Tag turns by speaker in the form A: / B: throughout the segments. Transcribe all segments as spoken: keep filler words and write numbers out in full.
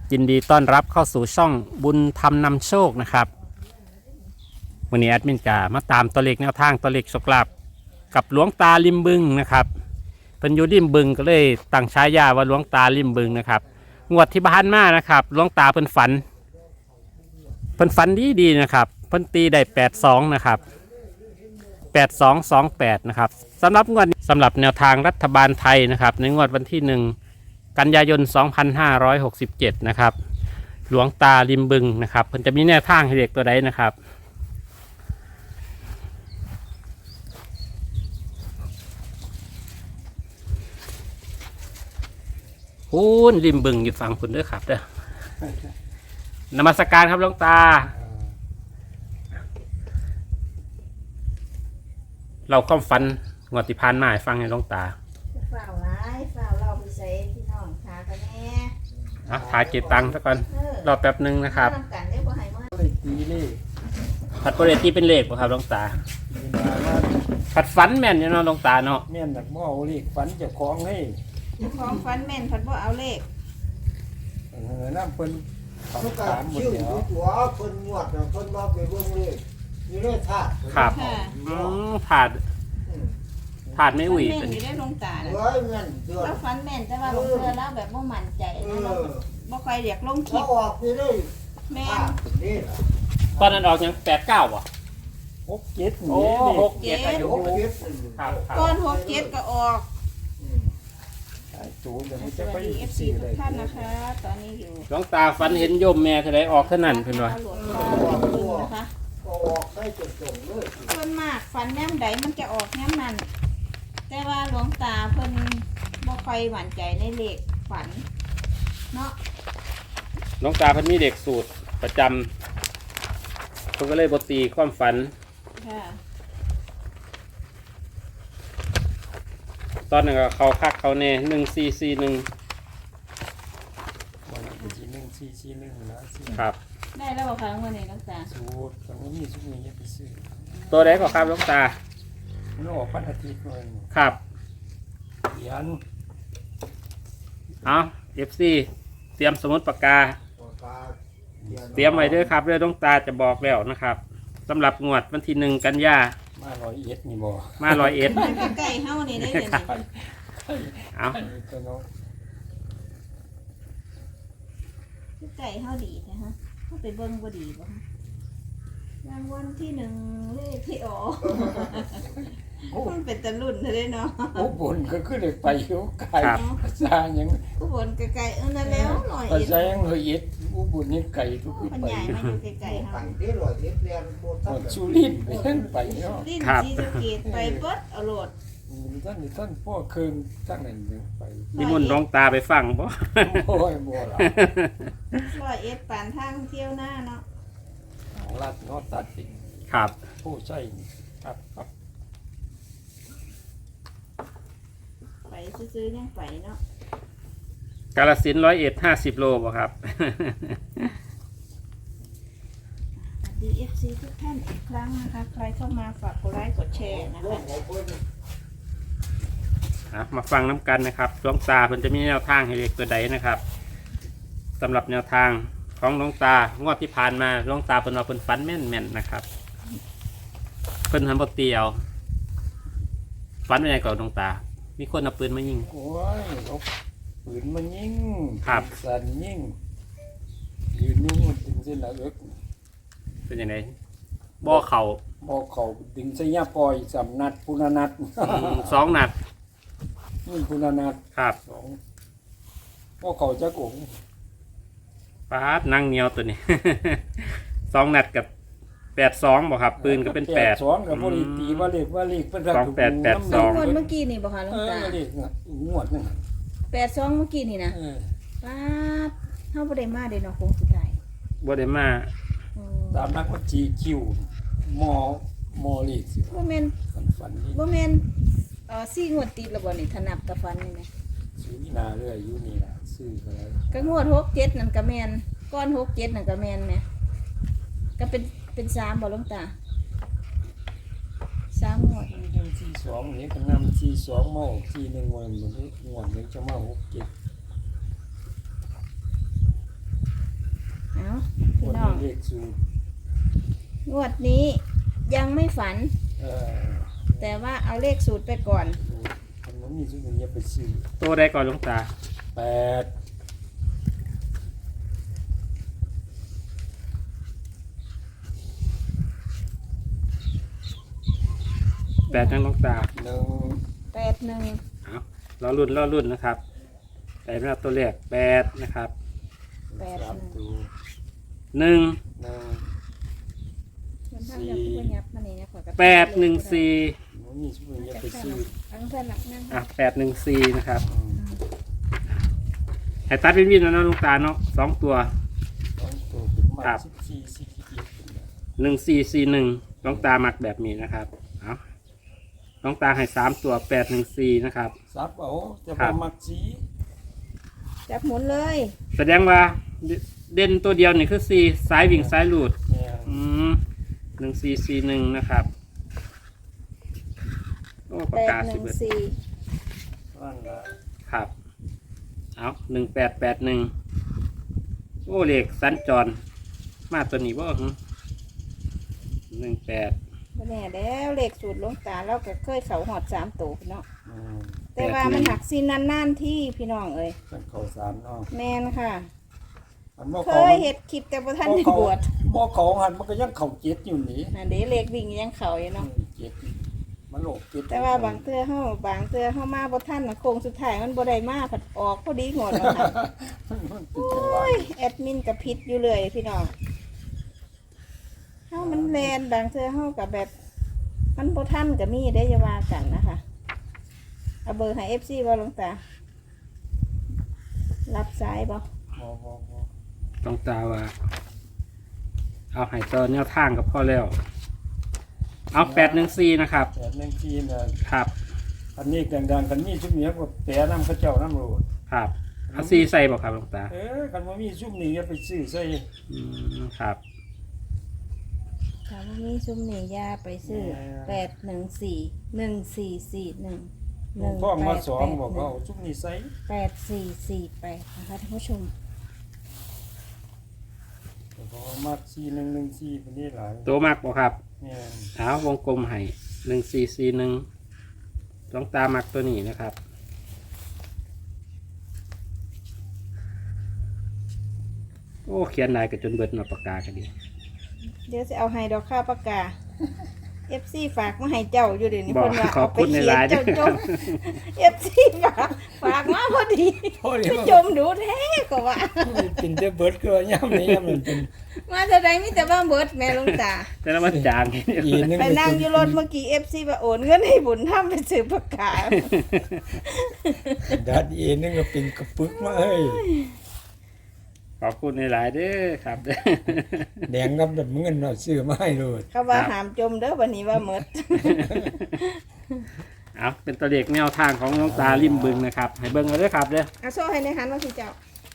A: ยินดีต้อนรับเข้าสู่ช่องบุญธรรมนำโชคนะครับวันนี้แอดมินจะมาตามตัวเลขแนวทางตัวเลขโชคลาภกับหลวงตาริมบึงนะครับเป็นอยู่ริมบึงก็เลยตั้งฉายาว่าหลวงตาริมบึงนะครับงวดที่บ้านมานะครับหลวงตาเพิ่นฝันเพิ่นฝันดีดีนะครับเพิ่นตีได้แปดสองนะครับแปดสองสองแปดนะครับสำหรับงวดสำหรับแนวทางรัฐบาลไทยนะครับในงวดวันที่หนึ่งกันยายน สองพันห้าร้อยหกสิบเจ็ด นะครับหลวงตาริมบึงนะครับเพิ่นจะมีแนวทางให้เด็กตัวใดนะครับพูนริมบึงอยู่ฝั่งคุณด้วยครับเด้อนมัสการครับหลวงตาเราความฝันงวดที่ผ่านมาให้ฟังให้หลวงตา
B: ฝ่าวร้ายฝ่าวเราไปใส่พี่น้องขากันแน่
A: อ่ะถ่ายเก็บตังค์ซะก่อนรอแป๊บนึงนะครับ
B: กันได้บ่ให้เมื่อ
C: ตีเลข
A: ผัดโปรเรตีเป็นเลขป่ะครับหลวงตาผัดฝันแม่นอยู่เนาะหลวงตาเนาะ
C: แม่นหนักบ่เอาเลขฝันเจ้าของให้
B: ของฟันแม่นผัดบ่เอาเลข
C: เออน้ำเพิ่นเขาถามหมดแล้ว
D: หัวเพิ่นงวดเพิ่นมาไปเบิ่งเลยนี่เลยธาตุ
A: ครับอืมถาดถาดไม่อุ่ย
B: แม่นอยู่ได้ลงตา
D: เฮ้ยแม่นเดือด
B: แล้วฟันแม่นแต่ว่าลงเรือแล้วแบบบ่มั่นใจนะเราบ่ค่อยเรียกลงคลิป
D: เขาออกนี่เลย
B: แม่น
D: นี่
A: ตอนนั้นออกยังแปดเก้าป่ะ
C: หกเจ็ด
A: โอ้หก
B: เจ็ด
A: อายุ
D: หกเจ็ด
A: ครับครับ
B: ก้อนหกเจ็ดก็ออก
C: ไอ้ตูนเดี๋ยวมัน
B: ส
C: จะ
B: วั
C: ไป
B: สดี เอฟ ซี
C: สี่
B: ทุ
C: เล
B: ก
C: ย
B: ท่านนะคะตอนนี้อยู่
A: หลวงตาฝันเห็นโยมแม่เท่าไรออกเท่านั้นเพิ่นว่า
B: หลวงตาบึงนะคะ
D: ก็ออกได้จนจงเลย
B: ส่วนมากฟันแนมใดมันจะออกแนมนั้นแต่ว่าหลวงตาเพิ่นบ่ค่อยหวั่นใจในเลขฝันเนาะ
A: หลวงตาเพิ่นมีเด็กสูตรประจำเพิ่นก็เลยบ่ตีความฝัน
B: ค่ะ
A: ตอนนั้นก็เขาคักเขาแน่หนึ่งสี่สี่หนึ่ง
C: วันนี้สี่หนึ่งสี่สี่หนึ่งนะครับ
B: ได้แล้วบ่คะวันนี้หลวงตา
C: สูตรตรงนี้สุดนี้จะไปซื้อ
A: ตัวใดก็ครับหลวงตา
C: มันออกพันอาทิตย์เลย
A: ครับ
C: เขียน
A: เอา เอฟ ซี เตรียมสมุดปากกาเตรียมไว้ด้วยครับเรื่องหลวงตาจะบอกแล้วนะครับสำหรับงวดวันที่หนึ่งกันยา
C: มาร้อยเอ็ดนี่บ่
A: มาร้อยเอ็ด
B: ใกล้เฮานี่ได้เลย
A: เอา
B: ใกล้เฮาดีนะฮะเฮาไปเบิ่งบ่ดีบ่ฮะรางวัลที่หนึ่งเลขที่ออกมันเป็นตะลุ่นเลยเนาะ
C: โอ้บุญก็คือได้ไปอยู่ไกลภาษาหยัง
B: อุบลไกลๆเออนั่นแล้วหน่อย
C: ภาษาหยังร้อยเอ็ดอุบุญนี่ไกลทุกที่
B: มัน
C: ไป
B: ใหญ่มาอยู่ไกลๆเฮา
D: ตั้งที่ร้อยเอ็ดเรียนโบราณ
C: สุรินทร์ไปนั่นไปเนาะ
B: ลิ้นศรีสะเกษไปเบิดเอาโลด
C: ท่านนี่ท่านพ่อเคืองท่านนั่นยังไป
A: นิมนต์หลวงตาไปฟังบ่
C: โอ้ยบ่ล่ะ
B: ร้อยเอ็ดปานทางเที่ยวหน้าเนาะ
C: ของรัฐเนาะตัดสิน
A: ครับ
C: ผู้ใช้ครับครับ
B: ไปซื้อๆยังไปเนาะ
A: กาฬสินธุ์ร้อยเอ็ดห้าสิบโลบ่ครับ
B: สวัสดี เอฟ ซี ทุกท่านอีกครั้งนะคะใครเข้ามาฝากกดไลค์กดแชร์นะคะ
A: มาฟังน้ำกันนะครับหลวงตาเพิ่นจะมีแนวทางให้เด็กตัวใดนะครับสำหรับแนวทางของหลวงตางวดที่ผ่านมาหลวงตาเพิ่นว่าเพิ่นฝันแม่นๆนะครับเพิ่นทำบ่เตียวฝันเป็นไงก่อนหลวงตามีคนเอาปืนมายิง
C: โอ้ยเอาปืนมายิง
A: ครับ
C: สั่นยิงยืนนิ่งดึงเส้นหลังเอิก
A: เป็นยังไงบ่เข่า
C: บ่เข่าดึงเส้นยาปล่อยสำนัดพุนานัด
A: สองนัด
C: นี่พุนานัด
A: ครับ
C: สองบ่เข่าจักอง
A: ปาดนั่งเหนียวตัวนี้ สองนัดกับแปดสองบ่ครับปืนก็เป็นแปด
C: สองกับบ่ได้ตีว่าเลขว่าเลขเป็น
A: สองแปดแปดสอง
B: คนเมื่อกี้นี่บ่คะหลวงตา
C: เออเลขงวดนึง
B: แปดสองเมื่อกี้นี่นะ
C: เออ
B: ป้าดเฮาบ่ได้มาเด้เนาะคงสุดท้าย
A: บ่ได้มา
C: ตามนักว่าจีคิวมอมอเลขสิ
B: บ่แม่น
C: ฝันนี่
B: บ่แม่นเอ่อสี่งวดติดแล้วบ่นี่ถนับกับฟันนี่แม่
C: ซื้อนาเรื่อยอยู่นี่ล่ะซื้อก็แล้ว
B: ก็งวดหกเจ็ดนั่นก็แม่นก้อนหกเจ็ดนั่นก็แม่นแม่ก็เป็นเป็นสามบ่หลวงตาสามงวด
C: สี่สองนี่ก็นำสี่สองมาออกสี่หนึ่งวันมันงวดนี้จะมาหกเจ็ด
B: พี่น้อง
C: เลขสูตรง
B: วดนี้ยังไม่ฝัน
C: เออ
B: แต่ว่าเอาเลขสูตรไปก่อน
C: มันบ่มีสูตรอย่าไปซื้อ
A: ตัวใดก่อนหลวงตา
C: แปด
A: แปดนั่งหลวงตา
C: หนึ่ง
B: แปดหนึ่ง
A: เอาล้อรุ่นล้อรุ่นนะครับแต่ไม่รับตัวเลขแปดนะครับ
B: แปด
C: สาม
B: หนึ่ง
C: ตัว
A: หนึ่ง
C: หนึ่ง
B: มันทำอย่างที่ยับมานี่นะขอกระ
A: แปดหนึ่งสี่
C: มันมีสูตรอย่าไปซื้อ
B: อังเพื่อนหลักนั่ง
A: อ่ะแปดหนึ่งสี่นะครับ
C: อืม
A: ให้ตัดวินวินแล้วนะหลวงตาเนาะสองตัว
C: สองตัวเป็นมา
A: ครับ
C: สิบสี่สิบเอ็ดเป็นแบบ
A: หนึ่งสี่สี่หนึ่งหลวงตาหมักแบบนี้นะครับเอาหลวงตาให้สามตัวแปดหนึ่งสี่นะครับ
C: ซับเอาจะ
A: ครับ
C: ่
A: บ
C: มักสี
B: จับหมุนเลย
A: แสดงว่าเด่นตัวเดียวนี่คือสี่สายวิ่งสายหลุด
C: เนี่ย
A: อืมหนึ่งสี่สี่หนึ่งนะครับโอ้ปา
B: แป
A: ก
B: ด
A: กา
B: ห
A: สิ
B: นึ่
A: บ
B: ง
A: เอ็ด
B: สี่
C: นั่นละ
A: ครับ เอาหนึ่งแปดแปดหนึ่งโอ้เลขสัญจร มาตัวนี้บ่หึหนึ่งแปด
B: บ่แน่แล้วเลขสูตรหลวงตาเราก็เคยเขาหอดสามตัวพี่น้อง
C: อืม
B: แต่ว่ามันหักซีนนานๆที่พี่น้องเอ้ย
C: เป็นเขาสามเนาะ
B: แมนค่ะ
C: มันบ่
B: เค
C: เขา
B: ยเห็ดคลิปแต่ประท่านได้บวช
C: บ่เขาหันมันก็ยังเข่าเจ็ดอยู่นี่
B: นั่นเด้เลขวิ่งยังเขาอยู่
C: อื
B: เนาะ
C: มเจ็ดมันโลกเจ็ด
B: แต่ว่าบางเทื่อเฮาบางเทื่อเฮามาบ่ทันน่ะโค้งสุดท้ายมันบ่ได้มาผัดออกพอดีงดแล้วค่ะ
C: มันเป็นจังหวะ
B: โอ้ยแอดมินก็ผิดอยู่เลยพี่น้องเฮามันแลนบางเทื่อเฮาก็แบบ มันบ่ทันก็มีได้อย่าว่ากันนะคะเอาเบอร์ให้ เอฟ ซี บ่หลวงตารับสายบ่
C: บ่บ่บ่
A: ต้องตาว่า เอาให้ตัวแนวทางกับพ่อแล้ว เอาแปดหนึ่งสี่นะครับ
C: แปดหนึ่งทีน่ะ
A: ครับ
C: อันนี้ดังๆกันมีชุมเนี้ยก็แปรนำเขาเจ้านำโลด
A: ครับเอาซีใส่บอกครับหลวงตา
C: เออกันบ่มีชุมนี้อย่าไปซื้อใส่
A: อืมครับ
B: ถ้าบ่มีซุมนี่อย่าไปซื้อแปดหนึ่งสี่หนึ่งสี่สี่หนึ่งหนึ่ง
C: พ่อ
B: แป
C: มา
B: ด
C: สอ
B: แป
C: ง
B: ด
C: บอก
B: ห
C: เขา
B: นึ่ง
C: เอาชุมนี้ใส่
B: แปดสี่สี่แปดนะคะท่านผู้ชม
C: เขาเอามาสี่หนึ่งหนึ่งสี่เป็นนี่หลาย
A: ตัวมากบอกครับ
C: เนี่ย
A: เอาวงกลมให้หนึ่งสี่สี่หนึ่งหลวงตามักตัวนี้นะครับ โอ้เขียนลายกับจนเบิดหนาปากกากันดี
B: เดี๋ยวจะเอาให้ดอกข้าวปากกา เอฟซีฝากมาให้เจ้าอยู่เดี๋ยวนี้
A: บอก
B: เพิ่นว่า
A: ขอบคุณใน
B: เขีย
A: ไลน์
B: เจ้าจม เอฟซีฝากฝากมาพอดี
C: โอ้ย
B: ไปจมดูแท้ก็ว่า
C: เป็นเดเบิร์ดก็ย่ำนี่ย่ำมันเป็น
B: มาแต่ใดมีแต่ว่าเบิดแม่หลวงตา
A: แต่ละมันจาง
C: อีนึง
B: ไปนั่งอยู่รถเมื่อกี้เอฟซีว่าโอนเงินให้บุญทำไปซื้อปากกา
C: ดัดอีนึงก็เป็นกระปึกมาเฮ้ย
A: ขอบคุณในหลายๆเด้อครับ
C: แดงกับแบบเงินเราซื้อมาให้เลย
B: เขาว่าหามจมเด้อวันนี้ว่าเมิด
A: เอาเป็นตัวเลขแนวทางของหลวงตาริมบึงนะครับ ให้เบิ่งเอาเด้วยครับเด้อ
B: เอาโซ่ให้ในหันว่าสิเจ้า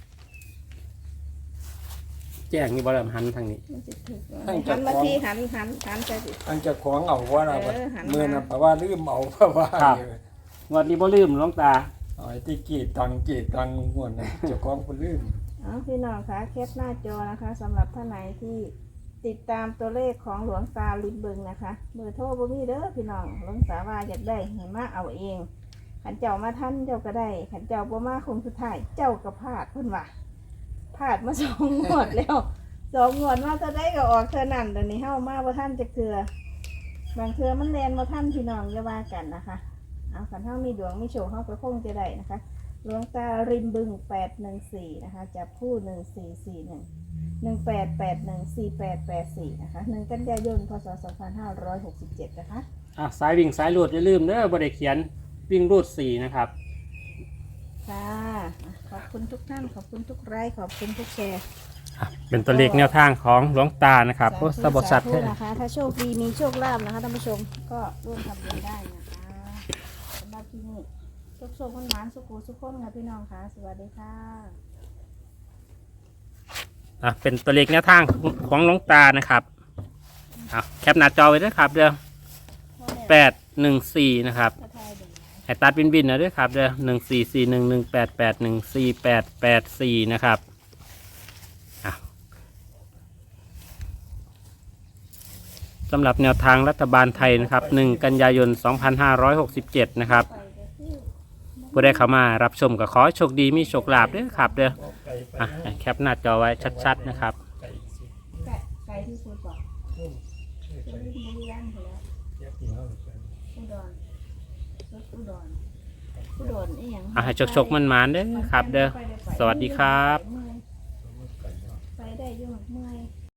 A: แจ้งนี่บริหันทางนี้
B: มันสิถูกหันมาที่หันหันหันใช่สิ
C: อันจะของเอาว่าเรา
B: เออหันมา
C: เมื่อนะเพราะว่าลืมเอาเพราะว่า
A: วันนี้บ่ลืมหลวงตา
C: เอาไอ้ที่กีดตังกีดตังงวดนะเจ้าของคนลืม
B: เอาพี่น้องคะแคปหน้าจอนะคะสำหรับท่านไหนที่ติดตามตัวเลขของหลวงตาลิมบึงนะคะเบอร์โทรบ่มีเด้อพี่น้องหลวงตาว่าอยากได้ให้มาเอาเองขันเจ้ามาท่านเจ้าก็ได้ขันเจ้าบ่มาคงสุดท้ายเจ้าก็พลาดเพิ่นว่าพลาดมาสองงวดแล้วสองงวดมาเท่าได้ก็ออกเท่านั้นเดี๋ยวนี้เฮามาบ่ท่านจะเกลือบางเทื่อมันแลนบ่ท่านพี่น้องอย่าว่ากันนะคะเอาขันเฮามีดวงมีโชคเฮาก็คงจะได้นะคะหลวงตาริมบึงแปดหนึ่งสี่นะคะจับคู่หนึ่งสี่สี่หนึ่งหนึ่งแปดแปดหนึ่งสี่แปดแปดสี่นะคะหนึ่งกันยายนพศสองพันห้าร้อยหกสิบเจ็ดนะคะ
A: อ่ะสายวิ่งสายรูดอย่าลืมเด้อบ่ได้เขียนวิ่งรูดสี่นะครับ
B: ค่ะขอบคุณทุกท่านขอบคุณทุกไลค์ขอบคุณทุกแชร์
A: เป็นตัวเลขแนวทางของหลวงตานะครับโอ้สะบดสัตว์
B: สา
A: แท้
B: ธุนะคะถ้าโชคดีมีโชคลาภนะคะท่านผู้ชมก็ร่วมทำบุญได้นะคะสำหรับที่นี่โชคโชคคนหวานสุขุสุขคนค่ะพี่น้องค่ะสวัสดีค่ะ
A: อ่ะเป็นตัวเลขแนวทางของหลวงตานะครับอ่ะแคปหน้าจอไว้ด้วยครับเด้อแปดหนึ่งสี่นะครับให้ตัดบินบินนะด้วยครับเด้อหนึ่งสี่สี่หนึ่งหนึ่งแปดแปดหนึ่งสี่แปดแปดสี่นะครับอ่ะสำหรับแนวทางรัฐบาลไทยนะครับหนึ่งกันยายนสองพันห้าร้อยหกสิบเจ็ดนะครับผู้ได้เข้ามารับชมก็ขอให้โชคดีมีโชคลาภด้วยครับเด้อ
C: บอกไก่ไป
A: อ่ะแคปหน้าจอไว้ชัดๆนะครับ
C: ไก่สิ
B: ไก่ไก่ที่สุดบอก
C: พุ่ม
B: จะรีบบุรีรัมย์ไปแล้ว
C: เรียกที่เขาไป
B: อุดรรถอุดรอุดรนี่ยัง
A: อ่ะให้โชคๆมันๆเด้อครับเด้อ สวัสดีครับ
B: ไปได้อยุ่งเมื่อย